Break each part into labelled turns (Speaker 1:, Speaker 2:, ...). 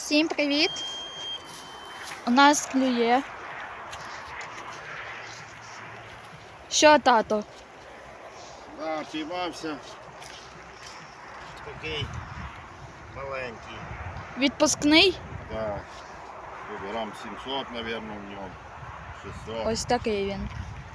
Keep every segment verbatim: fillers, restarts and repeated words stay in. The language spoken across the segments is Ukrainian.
Speaker 1: Всім привіт! У нас клює. Що, тато?
Speaker 2: Да, піймався. Такий маленький.
Speaker 1: Відпускний?
Speaker 2: Да. Грам сімсот, мабуть, в ньому. шістсот.
Speaker 1: Ось такий він.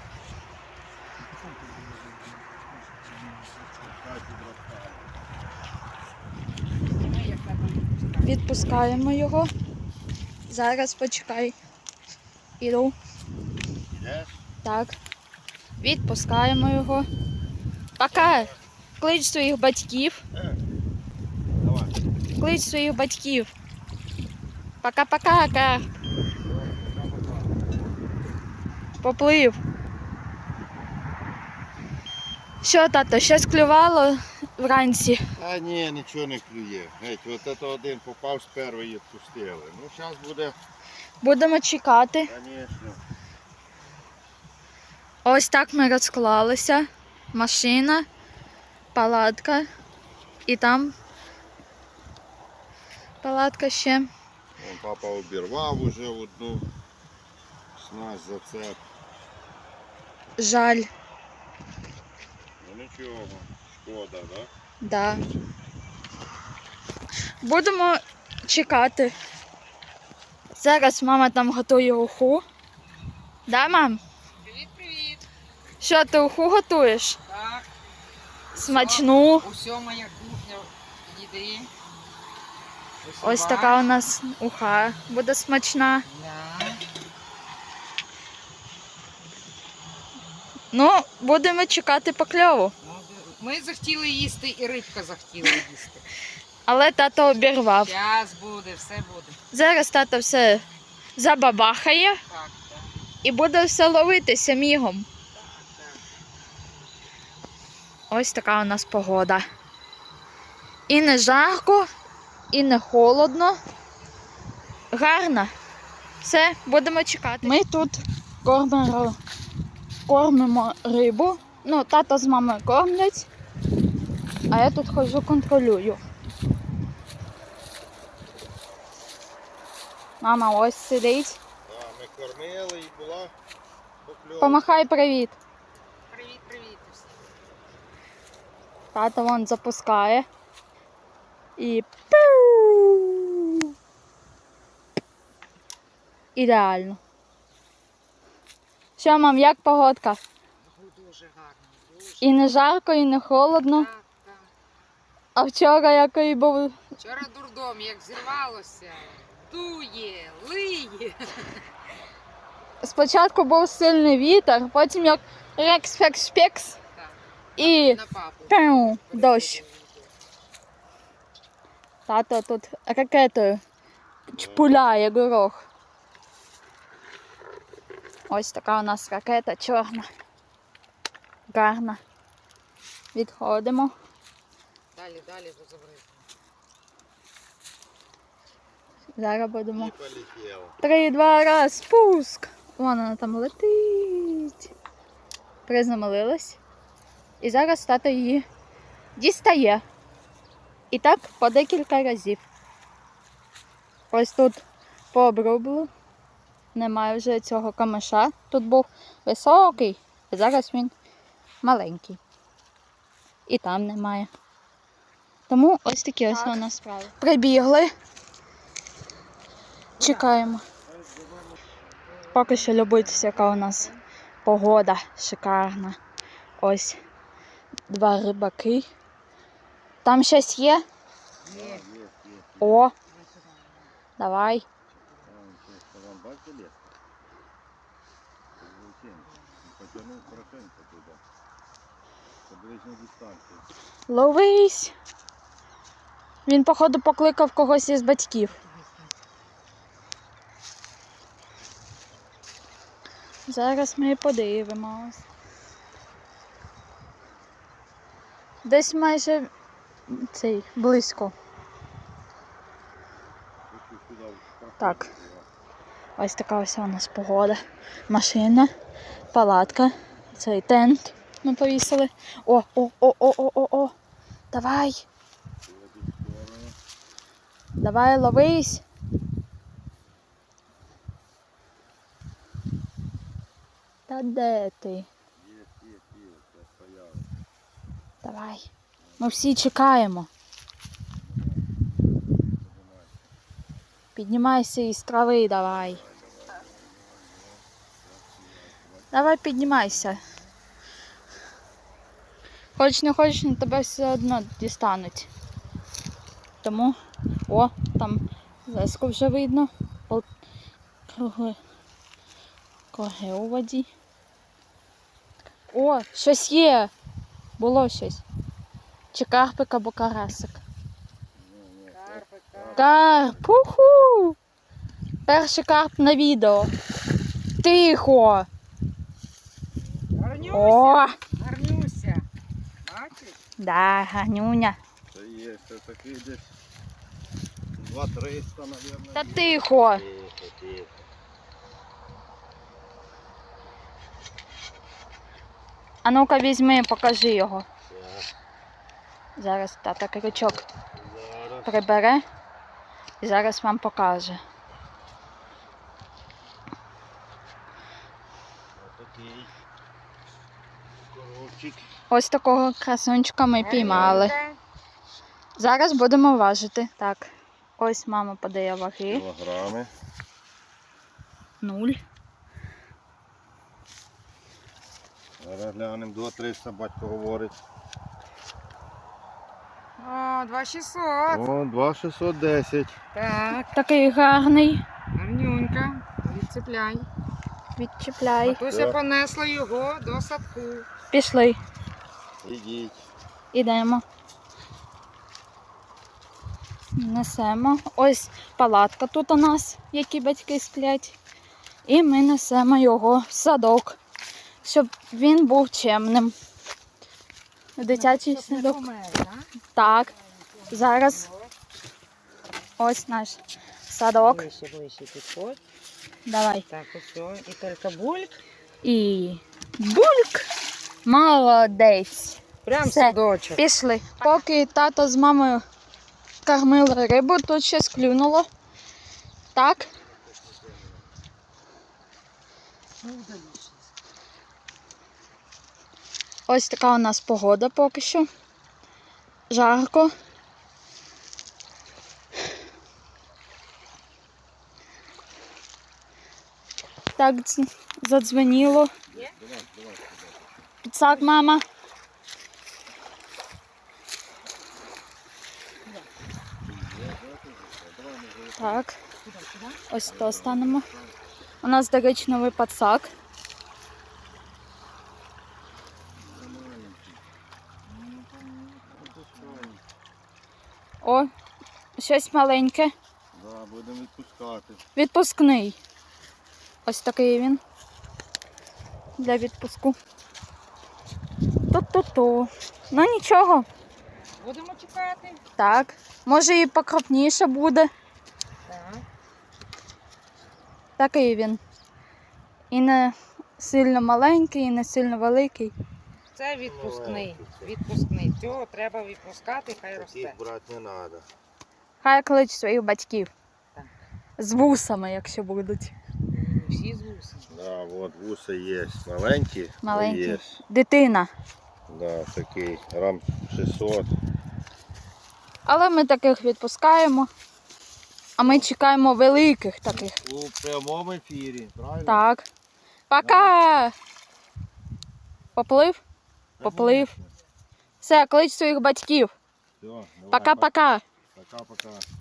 Speaker 1: Відпускаємо його. Зараз почекай. Іду.
Speaker 2: Ідеш?
Speaker 1: Так. Відпускаємо його. Пока. Клич своїх батьків.
Speaker 2: Е. Давай.
Speaker 1: Клич своїх батьків. Пока-пока, Кар. Поплив. Що, тато, щось клювало вранці?
Speaker 2: А ні, нічого не клює. Геть, от це один попав з першої і відпустили. Ну, зараз буде,
Speaker 1: Будемо чекати.
Speaker 2: звісно.
Speaker 1: Ось так ми розклалися. Машина, палатка і там палатка ще.
Speaker 2: Вон папа обірвав уже одну снасть за це.
Speaker 1: Жаль.
Speaker 2: Ну нічого, шкода, да?
Speaker 1: Да. Будемо чекати. Зараз мама там готує уху. Да, мам?
Speaker 3: Привіт-привіт!
Speaker 1: Що, ти уху готуєш?
Speaker 3: Так,
Speaker 1: Смачну.
Speaker 3: усе моя кухня їди.
Speaker 1: Ось така у нас уха буде смачна.
Speaker 3: Да.
Speaker 1: Ну, будемо чекати покльову.
Speaker 3: Ну, ми захотіли їсти і рибка захотіла їсти.
Speaker 1: Але тато обірвав.
Speaker 3: Зараз буде, все буде.
Speaker 1: Зараз тато все забабахає
Speaker 3: Так, так,
Speaker 1: і буде все ловитися мігом.
Speaker 3: так.
Speaker 1: Ось така у нас погода. І не жарко, і не холодно. Гарно. Все, будемо чекати. Ми тут кормимо, кормимо рибу. Ну, тато з мамою кормлять, а я тут ходжу контролюю. Мама ось сидить.
Speaker 2: Да, ми кормили і була покльовка.
Speaker 1: Помахай привіт.
Speaker 3: Привіт-привіт усім.
Speaker 1: Тато вон запускає. І пиу! Ідеально. Що, мам, як погодка?
Speaker 3: Дуже гарно, дуже.
Speaker 1: І не жарко, і не холодно.
Speaker 3: Так, так.
Speaker 1: А вчора який був.
Speaker 3: Вчора дурдом, як зірвалося, дує, лиє.
Speaker 1: Спочатку був сильний вітер, потім як рекс-фекс-пекс
Speaker 3: Так,
Speaker 1: і
Speaker 3: на папу.
Speaker 1: пиу, дощ. Тато тут ракетою чпуляє горох. Ось така у нас ракета чорна. Гарна. Відходимо.
Speaker 3: Далі, далі розобрати.
Speaker 1: Зараз будемо.
Speaker 2: І полетів.
Speaker 1: Три, два, раз, спуск. Вон вона там летить. Приземлилась. І зараз тато її дістає. І так по декілька разів. Ось тут пообрублю. Немає вже цього камиша. Тут був високий, а зараз він маленький. І там немає. Тому ось такі ось у нас справи. Прибігли. Чекаємо. Поки що любуйтесь, яка у нас погода шикарна. Ось два рибаки. Там щось є?
Speaker 3: Є.
Speaker 2: Є, є, є.
Speaker 1: О, давай.
Speaker 2: Там щось, там бачите лес? Потягнув хорошенько туди. Це ближня дистанція.
Speaker 1: Ловись. Він, походу, покликав когось із батьків. Зараз ми подивимось. Десь майже цей, близько.
Speaker 2: Хочу сюди в
Speaker 1: Так. Ось така ось у нас погода. Машина, палатка, цей тент ми повісили. О, о, о, о, о, о, о. Давай. Давай, ловись. Та де ти?
Speaker 2: Є, є, є, це стояли.
Speaker 1: Давай. Ми всі чекаємо. Піднімайся із трави, давай. Давай піднімайся. Хоч не хочеш, на тебе все одно дістануть. Тому, о, там леску вже видно. О, круги. Круги у воді. О, щось є. Було щось. Чи карпик або карасик.
Speaker 3: Карпик, карпик.
Speaker 1: Карп! Уху! Перший карп на відео. Тихо!
Speaker 3: Гарнюся,
Speaker 1: О!
Speaker 3: гарнюся. Бачиш?
Speaker 1: Да, гарнюня.
Speaker 2: Це є, це такий десь два триста, мабуть.
Speaker 1: Та тихо!
Speaker 2: Тихо, тихо.
Speaker 1: А ну-ка візьми, покажи його.
Speaker 2: Так,
Speaker 1: Зараз тата крючок
Speaker 2: зараз.
Speaker 1: прибере і зараз вам покаже.
Speaker 2: Отакий коробчик.
Speaker 1: Ось такого красунчика ми піймали.
Speaker 3: Гарнюнька.
Speaker 1: Зараз будемо важити. Так, ось мама подає ваги.
Speaker 2: Кілограми.
Speaker 1: Нуль.
Speaker 2: Зараз глянемо, до триста батько говорить.
Speaker 3: О, два шістсот.
Speaker 2: О, два шістсот десять.
Speaker 3: Так,
Speaker 1: Такий гарний.
Speaker 3: гарнюнька. Відцепляй.
Speaker 1: Відчіпляй.
Speaker 3: Матуся
Speaker 2: Так.
Speaker 3: понесла його до садку.
Speaker 1: Пішли.
Speaker 2: Ідіть.
Speaker 1: Ідемо. Несемо. Ось палатка тут у нас, які батьки сплять. І ми несемо його в садок, щоб він був чемним. Дитячий
Speaker 3: Щоб не
Speaker 1: садок.
Speaker 3: помер, так?
Speaker 1: Так. Зараз ось наш садок.
Speaker 3: Ближче, ближче підходь.
Speaker 1: Давай.
Speaker 3: Так, ось. І тільки бульк.
Speaker 1: І бульк. Молодець.
Speaker 3: Прям
Speaker 1: Все.
Speaker 3: садочок.
Speaker 1: Пішли. Поки тато з мамою кормили рибу, тут щось клюнуло. Так. Ось така у нас погода поки що. Жарко. Так дз- задзвеніло. Підсак, мама. Так. Ось то станемо. У нас, до речі, новий підсак. О, щось маленьке.
Speaker 2: Да, будемо відпускати.
Speaker 1: Відпускний. Ось такий він. Для відпуску. Ту-ту-ту. Ну нічого.
Speaker 3: Будемо чекати.
Speaker 1: Так. Може і покропніше буде.
Speaker 3: Так.
Speaker 1: Такий він. І не сильно маленький, і не сильно великий.
Speaker 3: Це відпускний. Відпускний. Цього треба відпускати, хай росте.
Speaker 2: Таких брати не треба.
Speaker 1: Хай клич своїх батьків.
Speaker 3: Так.
Speaker 1: З вусами, якщо будуть.
Speaker 3: Всі з вусом.
Speaker 2: Да, от вуса є. Маленькі. но
Speaker 1: Маленькі.
Speaker 2: Є.
Speaker 1: Дитина.
Speaker 2: Да, такий. Грам шістсот.
Speaker 1: Але ми таких відпускаємо. А ми чекаємо великих таких.
Speaker 2: У прямому ефірі, правильно?
Speaker 1: Так. Пока! Поплив? Поплив. Все, клич своїх батьків.
Speaker 2: Все, давай,
Speaker 1: Пока-пока.
Speaker 2: Пока-пока.